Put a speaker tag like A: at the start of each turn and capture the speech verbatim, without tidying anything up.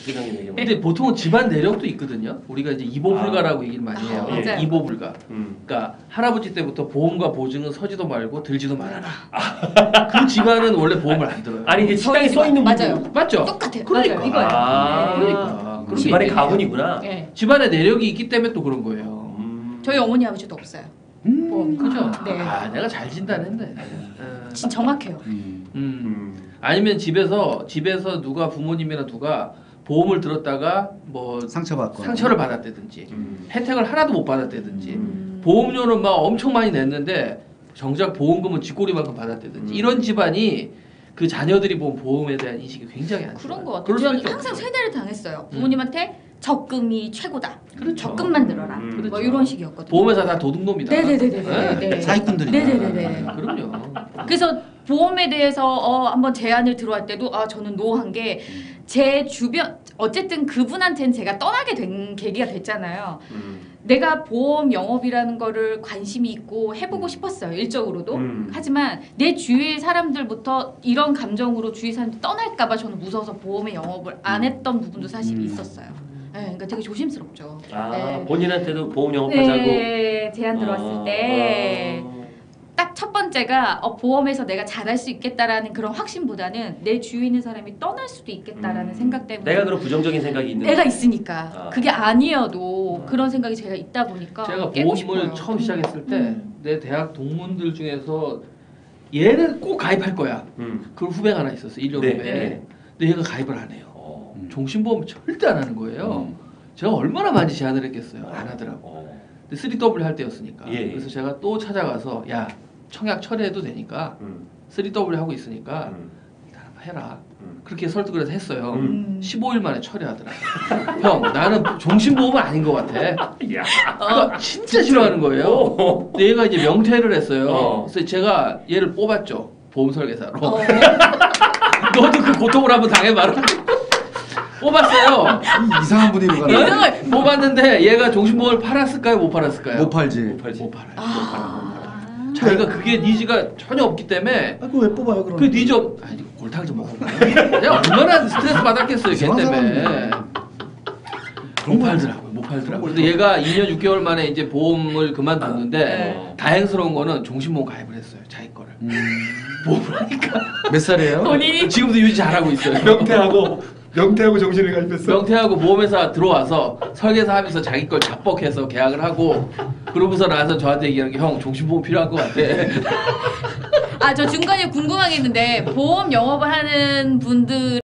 A: 부장님 얘기.
B: 근데 보통은 집안 내력도 있거든요. 우리가 이제 이보불가라고 아. 얘기를 많이 해요.
A: 아, 예.
B: 이보불가.
A: 음.
B: 그러니까 할아버지 때부터 보험과 보증은 서지도 말고 들지도 말아라. 아. 그 집안은 원래 보험을 안 들어요.
A: 아니 이게 식당에 써 있는
C: 맞아요.
A: 부분.
B: 맞죠?
C: 똑같아요.
B: 그러니까.
C: 맞아요. 이거예요.
A: 아,
C: 네.
B: 그러니까. 그런
A: 집안의
B: 게
A: 가문이구나.
C: 네.
B: 집안의 내력이 있기 때문에 또 그런 거예요.
A: 음.
C: 저희 어머니 아버지도 없어요.
B: 음,
C: 보험.
B: 그죠?
C: 네.
B: 아, 내가 잘 진단했네. 어.
C: 진짜 정확해요.
B: 음.
A: 음.
B: 아니면 집에서 집에서 누가 부모님이나 누가 보험을 들었다가 뭐
D: 상처받고
B: 상처를 받았다든지
A: 음.
B: 혜택을 하나도 못 받았다든지
C: 음.
B: 보험료는 막 엄청 많이 냈는데 정작 보험금은 쥐꼬리만큼 받았다든지
A: 음.
B: 이런 집안이 그 자녀들이 본 보험에 대한 인식이 굉장히 안
C: 그런
B: 좋아요.
C: 거 같아요.
B: 그럴
C: 저는
B: 수밖에
C: 항상
B: 없죠.
C: 세대를 당했어요. 부모님한테 적금이 최고다.
B: 그렇죠.
C: 적금만 들어라.
A: 음,
B: 그렇죠.
C: 뭐 이런 식이었거든요.
B: 보험회사 다 도둑놈이다.
C: 네네네네. 네.
D: 사기꾼들이
C: 네네네네.
B: 그럼요.
C: 그래서 보험에 대해서 어, 한번 제안을 들어갈 때도 아 저는 노한 게 제 주변 어쨌든 그분한테는 제가 떠나게 된 계기가 됐잖아요.
A: 음.
C: 내가 보험 영업이라는 거를 관심이 있고 해보고 싶었어요. 일적으로도.
A: 음.
C: 하지만 내 주위의 사람들부터 이런 감정으로 주위 사람들이 떠날까봐 저는 무서워서 보험의 영업을 안 했던 부분도 사실
D: 음.
C: 있었어요. 네, 그러니까 되게 조심스럽죠.
A: 아
C: 네.
A: 본인한테도 보험 영업하자고.
C: 네, 제안 들어왔을
A: 어,
C: 때.
A: 어.
C: 딱 첫 번째가 어, 보험에서 내가 잘할 수 있겠다라는 그런 확신보다는 내 주위에 있는 사람이 떠날 수도 있겠다라는
A: 음.
C: 생각 때문에
A: 내가 그런 부정적인 생각이 있는.
C: 내가 있으니까
A: 아.
C: 그게 아니어도
A: 아.
C: 그런 생각이 제가 있다 보니까
B: 제가
C: 깨고
B: 보험을
C: 싶어요.
B: 처음 시작했을 때 내
C: 음.
B: 대학 동문들 중에서 얘는 꼭 가입할 거야.
A: 음.
B: 그 후배가 하나 있었어. 일 년
A: 네.
B: 후배.
A: 네.
B: 근데 얘가 가입을 안 해요.
A: 어.
D: 음.
B: 종신보험 절대 안 하는 거예요.
D: 음.
B: 제가 얼마나 많이 제안을 했겠어요. 안 하더라고.
A: 어.
B: 근데 쓰리 더블유 할 때였으니까.
A: 예.
B: 그래서 제가 또 찾아가서 야 청약 철회해도 되니까
A: 음.
B: 쓰리 더블유 하고 있으니까
A: 음.
B: 일단 한번 해라.
A: 음.
B: 그렇게 설득을 해서 했어요.
A: 음.
B: 십오 일 만에 철회하더라. 형 나는 종신보험은 아닌 것 같아.
A: 야.
B: 그거 진짜 싫어하는 거예요.
A: 어.
B: 근데 얘가 이제 명퇴를 했어요.
A: 어.
B: 그래서 제가 얘를 뽑았죠. 보험 설계사로.
C: 어.
B: 너도 그 고통을 한번 당해봐라. 뽑았어요.
D: 이 이상한 분위기가
B: 네?
C: 이상해.
B: 뽑았는데 얘가 종신보험을 팔았을까요? 못 팔았을까요?
D: 못 팔지.
A: 못 팔지.
B: 못 팔아요.
C: 아.
B: 자기가 그게 니즈가 전혀 없기 때문에
D: 아, 그거 왜 뽑아요 그럼?
B: 그 니즈 없... 아니 골탕 좀 먹어봐. 내가 얼마나 스트레스 받았겠어요 걔
D: 이상한
B: 때문에.
D: 사람이네.
B: 못 팔더라고요. 못 팔더라고요. 근데 얘가 이 년 육 개월 만에 이제 보험을 그만뒀는데
C: 네.
B: 다행스러운 거는 종신보험 가입을 했어요. 자기 거를.
D: 음.
B: 보험을 하니까.
D: 몇 살이에요?
C: 본인이
B: 지금도 유지 잘하고 있어요.
A: 명태하고 명태하고 정신을 가입했어.
B: 명태하고 보험회사 들어와서 설계사 하면서 자기 걸 자뻑해서 계약을 하고 그러고서 나서 저한테 얘기하는 게 형 종신보험 필요한 것 같아.
C: 아 저 중간에 궁금한 게 있는데 보험 영업을 하는 분들